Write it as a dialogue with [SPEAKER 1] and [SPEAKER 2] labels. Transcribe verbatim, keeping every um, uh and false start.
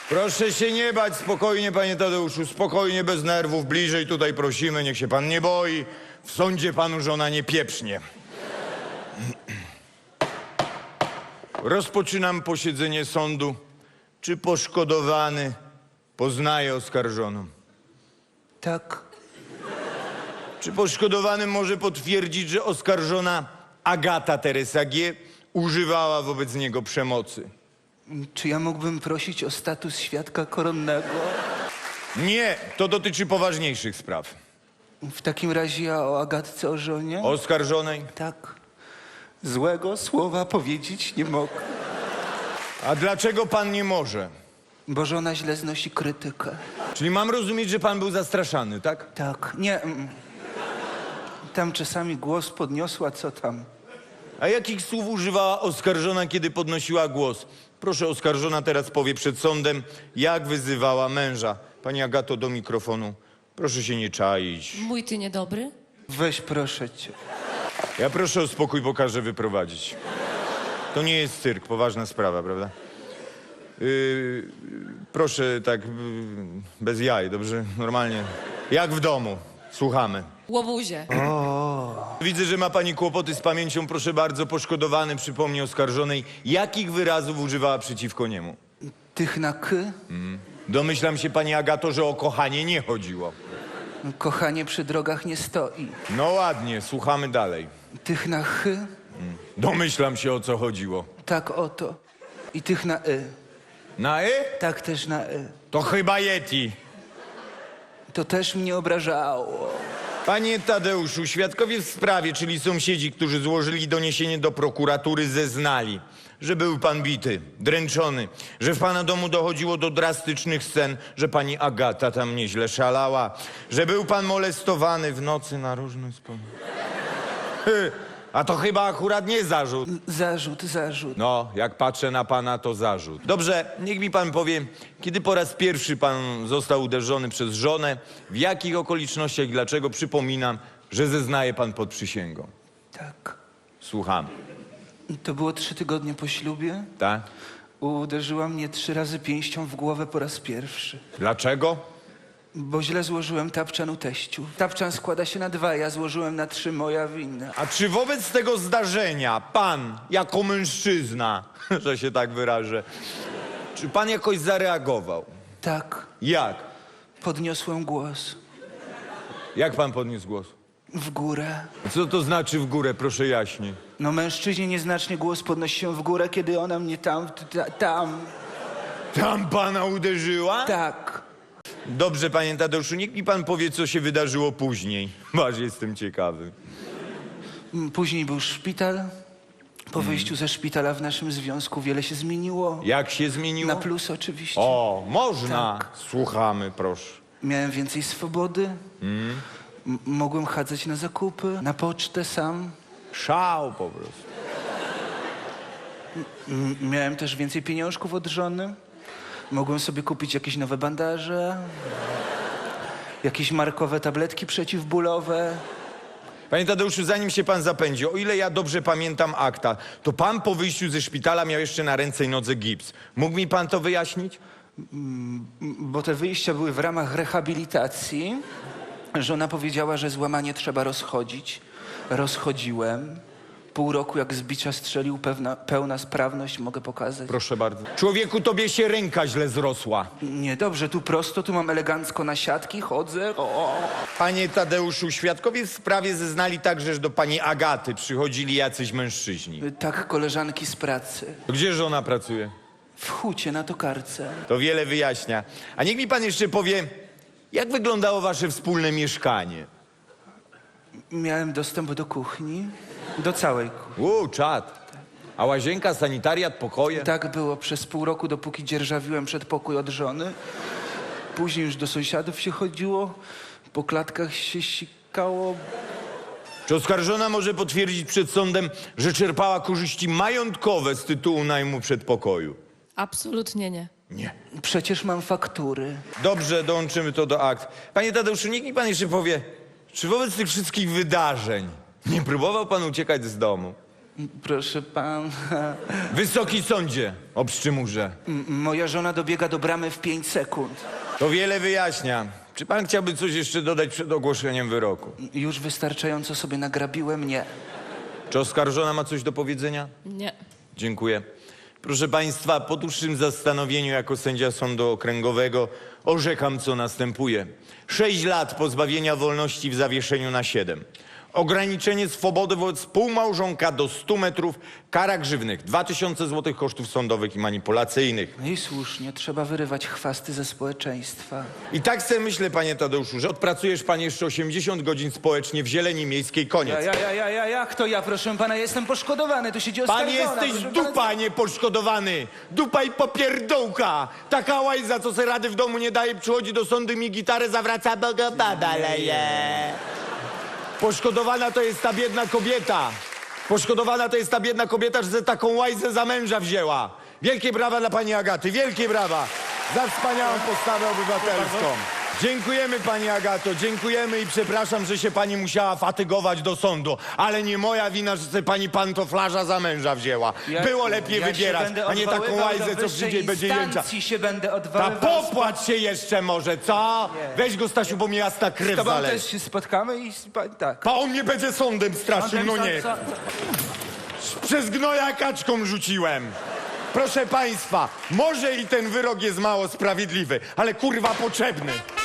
[SPEAKER 1] Proszę się nie bać, spokojnie, panie Tadeuszu, spokojnie, bez nerwów, bliżej tutaj prosimy, niech się pan nie boi. W sądzie panu żona nie pieprznie. Rozpoczynam posiedzenie sądu. Czy poszkodowany poznaje oskarżoną?
[SPEAKER 2] Tak.
[SPEAKER 1] Czy poszkodowany może potwierdzić, że oskarżona Agata Teresa G. używała wobec niego przemocy?
[SPEAKER 2] Czy ja mógłbym prosić o status świadka koronnego?
[SPEAKER 1] Nie, to dotyczy poważniejszych spraw.
[SPEAKER 2] W takim razie ja o Agatce, o żonie?
[SPEAKER 1] Oskarżonej?
[SPEAKER 2] Tak. Złego słowa powiedzieć nie mogę.
[SPEAKER 1] A dlaczego pan nie może?
[SPEAKER 2] Bo żona źle znosi krytykę.
[SPEAKER 1] Czyli mam rozumieć, że pan był zastraszany, tak?
[SPEAKER 2] Tak. Nie. mm. Tam czasami głos podniosła, co tam.
[SPEAKER 1] A jakich słów używała oskarżona, kiedy podnosiła głos? Proszę, oskarżona teraz powie przed sądem, jak wyzywała męża. Pani Agato, do mikrofonu. Proszę się nie czaić.
[SPEAKER 3] Mój ty niedobry?
[SPEAKER 2] Weź, proszę cię.
[SPEAKER 1] Ja proszę o spokój, bo każę wyprowadzić. To nie jest cyrk, poważna sprawa, prawda? Yy, proszę tak, yy, bez jaj, dobrze? Normalnie. Jak w domu. Słuchamy.
[SPEAKER 3] Łobuzie.
[SPEAKER 1] Widzę, że ma pani kłopoty z pamięcią. Proszę bardzo, poszkodowany przypomni oskarżonej, jakich wyrazów używała przeciwko niemu.
[SPEAKER 2] Tych na k?
[SPEAKER 1] Domyślam się, pani Agato, że o kochanie nie chodziło.
[SPEAKER 2] Kochanie przy drogach nie stoi.
[SPEAKER 1] No ładnie, słuchamy dalej.
[SPEAKER 2] Tych na ch?
[SPEAKER 1] Domyślam się, o co chodziło.
[SPEAKER 2] Tak oto. I tych na y.
[SPEAKER 1] Na y?
[SPEAKER 2] Tak też na y.
[SPEAKER 1] To chyba Yeti.
[SPEAKER 2] To też mnie obrażało.
[SPEAKER 1] Panie Tadeuszu, świadkowie w sprawie, czyli sąsiedzi, którzy złożyli doniesienie do prokuratury, zeznali, że był pan bity, dręczony, że w pana domu dochodziło do drastycznych scen, że pani Agata tam nieźle szalała, że był pan molestowany w nocy na różne sposoby. A to chyba akurat nie zarzut.
[SPEAKER 2] Zarzut, zarzut.
[SPEAKER 1] No, jak patrzę na pana, to zarzut. Dobrze, niech mi pan powie, kiedy po raz pierwszy pan został uderzony przez żonę, w jakich okolicznościach i dlaczego? Przypominam, że zeznaje pan pod przysięgą.
[SPEAKER 2] Tak.
[SPEAKER 1] Słucham.
[SPEAKER 2] To było trzy tygodnie po ślubie.
[SPEAKER 1] Tak?
[SPEAKER 2] Uderzyła mnie trzy razy pięścią w głowę po raz pierwszy.
[SPEAKER 1] Dlaczego?
[SPEAKER 2] Bo źle złożyłem tapczan u teściu. Tapczan składa się na dwa, ja złożyłem na trzy, moja wina.
[SPEAKER 1] A czy wobec tego zdarzenia pan, jako mężczyzna, że się tak wyrażę, czy pan jakoś zareagował?
[SPEAKER 2] Tak,
[SPEAKER 1] Jak?
[SPEAKER 2] podniosłem głos.
[SPEAKER 1] Jak pan podniósł głos?
[SPEAKER 2] W górę.
[SPEAKER 1] Co to znaczy w górę, proszę jaśniej?
[SPEAKER 2] No mężczyźnie nieznacznie głos podnosi się w górę, kiedy ona mnie tam, ta, tam,
[SPEAKER 1] Tam pana uderzyła?
[SPEAKER 2] tak.
[SPEAKER 1] Dobrze, panie Tadeuszu, niech mi pan powie, co się wydarzyło później. Aż jestem ciekawy.
[SPEAKER 2] Mm, Później był szpital. Po wyjściu ze szpitala w naszym związku wiele się zmieniło.
[SPEAKER 1] Jak się zmieniło?
[SPEAKER 2] Na plus oczywiście.
[SPEAKER 1] O, można.
[SPEAKER 2] Tak.
[SPEAKER 1] Słuchamy, proszę.
[SPEAKER 2] Miałem więcej swobody. M- mogłem chadzać na zakupy, na pocztę sam.
[SPEAKER 1] Szał po prostu.
[SPEAKER 2] M- miałem też więcej pieniążków od żony. Mogłem sobie kupić jakieś nowe bandaże, jakieś markowe tabletki przeciwbólowe.
[SPEAKER 1] Panie Tadeuszu, zanim się pan zapędzi, o ile ja dobrze pamiętam akta, to pan po wyjściu ze szpitala miał jeszcze na ręce i nodze gips. Mógł mi pan to wyjaśnić?
[SPEAKER 2] M- Bo te wyjścia były w ramach rehabilitacji. Żona powiedziała, że złamanie trzeba rozchodzić. Rozchodziłem. Pół roku jak z bicia strzelił, pewna, pełna sprawność, mogę pokazać.
[SPEAKER 1] Proszę bardzo. Człowieku, tobie się ręka źle zrosła.
[SPEAKER 2] Nie, dobrze, tu prosto, tu mam elegancko na siatki, chodzę. O.
[SPEAKER 1] Panie Tadeuszu, świadkowie w sprawie zeznali także, że do pani Agaty przychodzili jacyś mężczyźni.
[SPEAKER 2] Tak, koleżanki z pracy.
[SPEAKER 1] Gdzie żona pracuje?
[SPEAKER 2] W hucie na tokarce.
[SPEAKER 1] To wiele wyjaśnia. A niech mi pan jeszcze powie, jak wyglądało wasze wspólne mieszkanie?
[SPEAKER 2] Miałem dostęp do kuchni, do całej kuchni.
[SPEAKER 1] Uuu, czad. A łazienka, sanitariat, pokoje?
[SPEAKER 2] Tak było przez pół roku, dopóki dzierżawiłem przedpokój od żony. Później już do sąsiadów się chodziło, po klatkach się sikało.
[SPEAKER 1] Czy oskarżona może potwierdzić przed sądem, że czerpała korzyści majątkowe z tytułu najmu przedpokoju?
[SPEAKER 3] Absolutnie nie.
[SPEAKER 1] Nie.
[SPEAKER 2] Przecież mam faktury.
[SPEAKER 1] Dobrze, dołączymy to do akt. Panie Tadeuszu, niech mi pan jeszcze powie, czy wobec tych wszystkich wydarzeń nie próbował pan uciekać z domu?
[SPEAKER 2] Proszę pana,
[SPEAKER 1] Wysoki sądzie, obszczymurze.
[SPEAKER 2] m- moja żona dobiega do bramy w pięć sekund.
[SPEAKER 1] To wiele wyjaśnia. Czy pan chciałby coś jeszcze dodać przed ogłoszeniem wyroku?
[SPEAKER 2] Już wystarczająco sobie nagrabiłem? Nie.
[SPEAKER 1] Czy oskarżona ma coś do powiedzenia?
[SPEAKER 3] Nie.
[SPEAKER 1] Dziękuję. Proszę państwa, po dłuższym zastanowieniu jako sędzia sądu okręgowego orzekam, co następuje. Sześć lat pozbawienia wolności w zawieszeniu na siedem. Ograniczenie swobody wobec współmałżonka do stu metrów. Kara grzywnych dwa tysiące złotych kosztów sądowych i manipulacyjnych.
[SPEAKER 2] No i słusznie, trzeba wyrywać chwasty ze społeczeństwa.
[SPEAKER 1] I tak sobie myślę, panie Tadeuszu, że odpracujesz pan jeszcze osiemdziesiąt godzin społecznie w Zieleni Miejskiej. Koniec.
[SPEAKER 2] Ja, ja, ja, ja, ja, jak to ja, proszę pana, ja jestem poszkodowany, tu siedzi
[SPEAKER 1] Pan
[SPEAKER 2] oskarżona.
[SPEAKER 1] jesteś
[SPEAKER 2] proszę
[SPEAKER 1] dupa,
[SPEAKER 2] pana.
[SPEAKER 1] nie poszkodowany. Dupa i popierdołka. Taka łajza, co se rady w domu nie daje, przychodzi do sądu, mi gitarę zawraca, bo go baba leje. Poszkodowana to jest ta biedna kobieta. Poszkodowana to jest ta biedna kobieta, że se taką łajzę za męża wzięła. Wielkie brawa dla pani Agaty, wielkie brawa za wspaniałą postawę obywatelską. Dziękujemy pani Agato, dziękujemy i przepraszam, że się pani musiała fatygować do sądu, ale nie moja wina, że se pani pantoflarza za męża wzięła.
[SPEAKER 2] Ja-
[SPEAKER 1] Było lepiej
[SPEAKER 2] ja się
[SPEAKER 1] wybierać,
[SPEAKER 2] będę
[SPEAKER 1] a nie taką
[SPEAKER 2] odwoływał
[SPEAKER 1] łajzę,
[SPEAKER 2] do
[SPEAKER 1] co
[SPEAKER 2] wyższej
[SPEAKER 1] przyjdzie i będzie jęczać.
[SPEAKER 2] instancji się będę
[SPEAKER 1] Ta
[SPEAKER 2] odwoływał.
[SPEAKER 1] popłacz się jeszcze może, co? Weź go, Stasiu, bo mi jasna
[SPEAKER 2] Z
[SPEAKER 1] krew
[SPEAKER 2] tobą
[SPEAKER 1] zależy.
[SPEAKER 2] też się spotkamy i spa- tak.
[SPEAKER 1] A on mnie będzie sądem straszył, no nie.
[SPEAKER 2] Co- co-
[SPEAKER 1] Przez gnoja kaczką rzuciłem. Proszę państwa, może i ten wyrok jest mało sprawiedliwy, ale kurwa potrzebny.